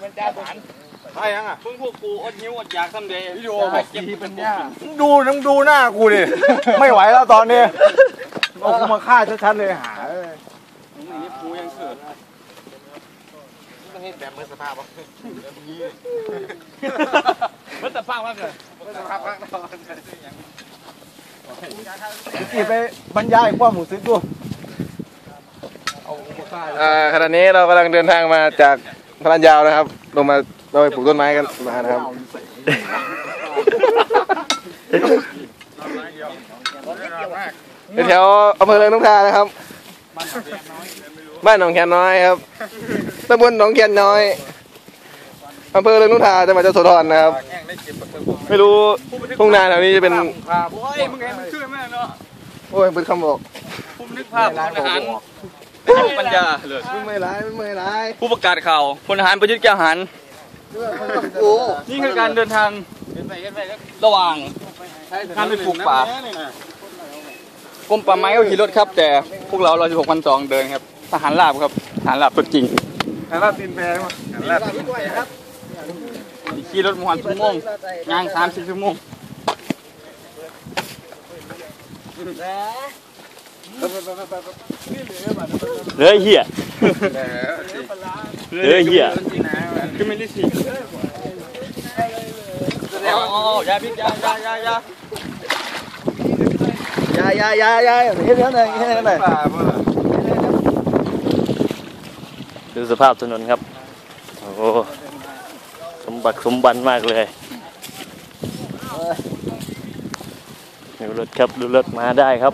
มันจ้าหันใช่ยังอ่ะเพิ่งพวกกูอดหิวอดอยากทำเดย์วิดีโอแบบเก็บเป็นย่าดูหน้ากูดิไม่ไหวแล้วตอนนี้เอากูมาฆ่าชัดๆเลยหานี่กูยังเกิดต้องให้แบบเมื่อสภาพวะเมื่อสภาพมากเลยเมื่อสภาพมากกี่ไปบรรยายความหมูซื้อตัวขณะนี้เรากำลังเดินทางมาจากพลันยาวนะครับลงมาเราไปปลูกต้นไม้กันมานะครับแถวอำเภอเริงนกทานะครับบ้านหนองแคนน้อยครับตำบลหนองแคนน้อยอำเภอเริงนกทาจังหวัดยโสธรนะครับไม่รู้ทุ่งนาแถวนี้จะเป็นโอ้ยมึงไงมันชื่อแม่เนาะโอ้ยเป็นคำบอกผมนึกภาพอาหารปัญญาเลยไม่ร้ายผู้ประกาศข่าวพลทหารประยุทธ์แก้วหันนี่คือการเดินทางระหว่างการไปปลูกป่ากรมป่าไม้ก็ขี่รถครับแต่พวกเรา116,200เดินครับทหารราบครับทหารราบตัวจริงทหารราบตีนแพงมั้งทหารราบตีนแพงครับขี่รถ1 ชั่วโมงย่าง30 ชั่วโมงเลยเหี้ยเลยเหี้ยคือไม่ได้สิยาพิษยาเฮ็ดแล้วหน่อยดูสภาพถนนครับโอ้สมบันมากเลยดูรถครับดูรถมาได้ครับ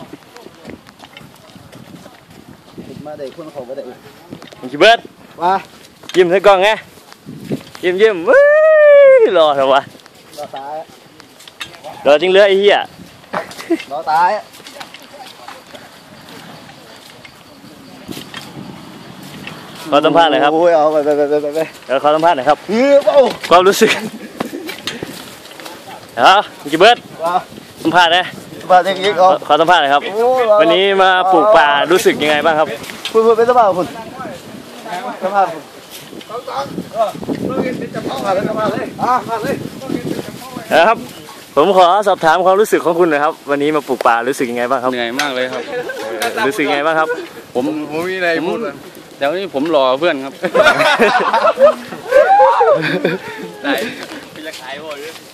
มาได้คนเขาก็ได้พี่เบิร์ดว่ายิ้มใส่กล้องไงยิ้มว้ยรอเถอะวะรอตายรอจริงเลยไอ้เหี้ยรอตายขอสัมภาษณ์หน่อยครับโอ้ยเอาไปเดี๋ยวขอสัมภาษณ์หน่อยครับความรู้สึกพี่เบิร์ดสัมภาษณ์นะขอสัมภาษณ์หน่อยครับวันนี้มาปลูกป่ารู้สึกยังไงบ้างครับคุณเป็นสัมภาษณ์คุณสัมภาษณ์นะครับผมขอสอบถามความรู้สึกของคุณหน่อยครับวันนี้มาปลูกป่ารู้สึกยังไงบ้างครับเหนื่อยมากเลยครับรู้สึกยังไงบ้างครับผมมีอะไรพูดเดี๋ยวนี้ผมรอเพื่อนครับได้เป็นจะขายบ่อย